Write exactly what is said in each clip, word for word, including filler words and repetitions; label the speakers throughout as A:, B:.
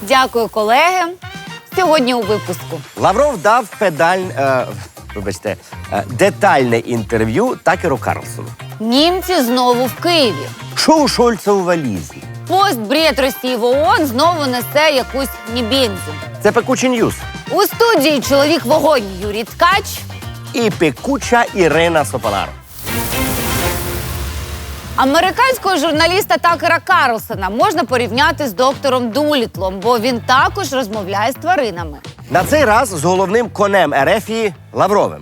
A: Дякую, колеги. Сьогодні у випуску.
B: Лавров дав педаль, е, вибачте, е, детальне інтерв'ю Такеру Карлсону.
A: Німці знову в Києві.
B: Що у Шольца у валізі?
A: Постбред Росії в ООН знову несе якусь нібензу.
B: Це пекучий ньюс.
A: У студії чоловік-вогонь Юрій Ткач.
B: І пекуча Ірина Сопонар.
A: Американського журналіста Такера Карлсона можна порівняти з доктором Дулітлом, бо він також розмовляє з тваринами.
B: На цей раз з головним конем Ерефії Лавровим.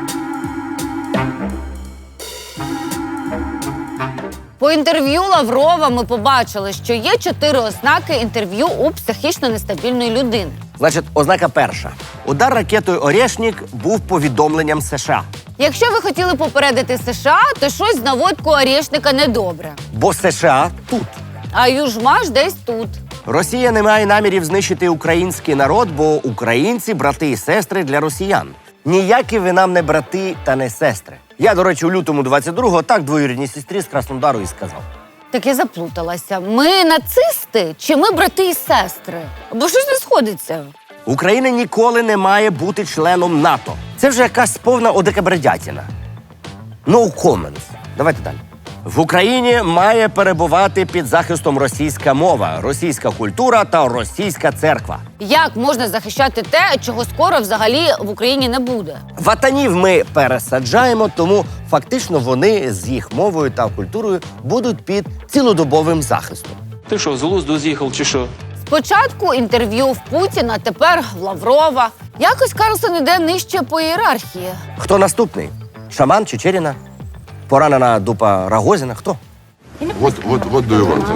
A: По інтерв'ю Лаврова ми побачили, що є чотири ознаки інтерв'ю у психічно нестабільної людини.
B: Значить, ознака перша. Удар ракетою «Орешник» був повідомленням США.
A: Якщо ви хотіли попередити США, то щось з наводкою Орешника недобре.
B: Бо США тут.
A: А Южмаш десь тут.
B: Росія не має намірів знищити український народ, бо українці – брати і сестри для росіян. Ніякі ви нам не брати та не сестри. Я, до речі, у лютому двадцять другого так двоюрідній сестрі з Краснодару і сказав.
A: Так я заплуталася. Ми нацисти чи ми брати і сестри? Бо щось не сходиться.
B: Україна ніколи не має бути членом НАТО. Це вже якась повна одекабредятіна. No comments. Давайте далі. В Україні має перебувати під захистом російська мова, російська культура та російська церква.
A: Як можна захищати те, чого скоро взагалі в Україні не буде?
B: Ватанів ми пересаджаємо, тому фактично вони з їх мовою та культурою будуть під цілодобовим захистом.
C: Ти що, з глузду з'їхав чи що?
A: Спочатку інтерв'ю в Путіна, тепер в Лаврова. Якось Карлсон іде нижче по ієрархії.
B: Хто наступний? Шаман Чечеріна? Поранена дупа Рогозіна? Хто?
D: What, what, what do you want?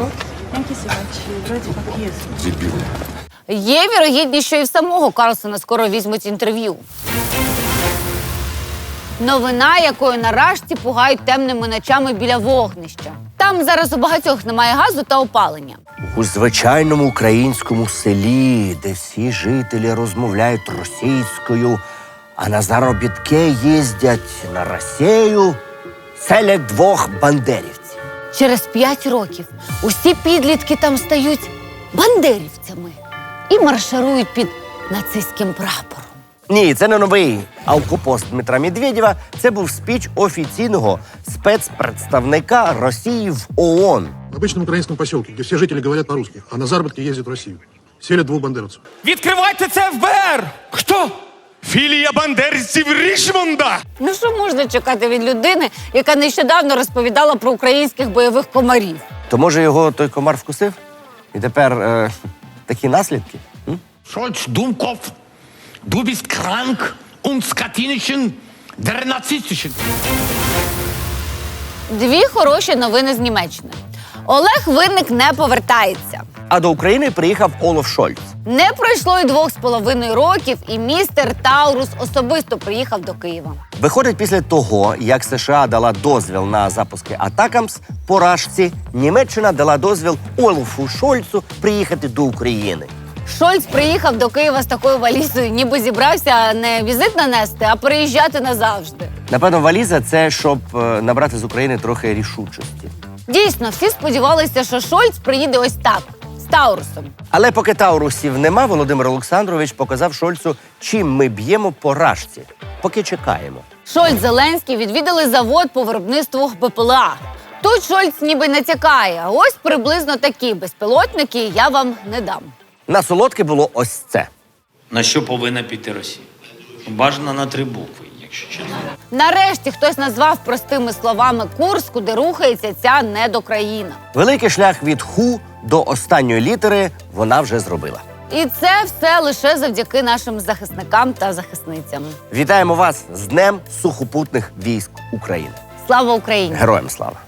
D: Дебіли.
A: Є вірогідність, що і в самого Карлсона скоро візьмуть інтерв'ю. Новина, якою на Рашці пугають темними ночами біля вогнища. Там зараз у багатьох немає газу та опалення.
B: У звичайному українському селі, де всі жителі розмовляють російською, а на заробітки їздять на Росію, селять двох бандерівців.
A: Через п'ять років усі підлітки там стають бандерівцями і марширують під нацистським прапором.
B: Ні, це не новий алкопост Дмитра Медведєва. Це був спіч офіційного спецпредставника Росії в ООН.
E: В обычном украинском поселке, где все жители говорят по-русски, а на заработки ездят в Россию. Селят двух бандеровцев.
F: Відкривайте це еф бе ер! Хто? Філія бандерівців Річмонда!
A: Ну що можна чекати від людини, яка нещодавно розповідала про українських бойових комарів?
B: То може його той комар вкусив? І тепер е, такі наслідки? М?
G: Scholz, Dummkopf, du bist krank und skatinischen, der narzisstischen.
A: Дві хороші новини з Німеччини. Олег Винник не повертається.
B: А до України приїхав Олаф Шольц.
A: Не пройшло й двох з половиною років, і містер Таурус особисто приїхав до Києва.
B: Виходить, після того, як США дала дозвіл на запуски Атакамс по Рашці, Німеччина дала дозвіл Олафу Шольцу приїхати до України.
A: Шольц приїхав до Києва з такою валізою, ніби зібрався не візит нанести, а переїжджати назавжди.
B: Напевно, валіза – це щоб е, набрати з України трохи рішучості.
A: Дійсно, всі сподівалися, що Шольц приїде ось так, з Таурусом.
B: Але поки Таурусів нема, Володимир Олександрович показав Шольцу, чим ми б'ємо по Рашці. Поки чекаємо.
A: Шольц, Зеленський відвідали завод по виробництву бе пе ел а. Тут Шольц ніби натякає. Ось приблизно такі безпілотники я вам не дам.
B: На солодке було ось це.
H: На що повинна піти Росія? Бажано на три букви, якщо чесно.
A: Нарешті хтось назвав простими словами курс, куди рухається ця недокраїна.
B: Великий шлях від ху до останньої літери вона вже зробила.
A: І це все лише завдяки нашим захисникам та захисницям.
B: Вітаємо вас з Днем сухопутних військ України.
A: Слава Україні!
B: Героям слава!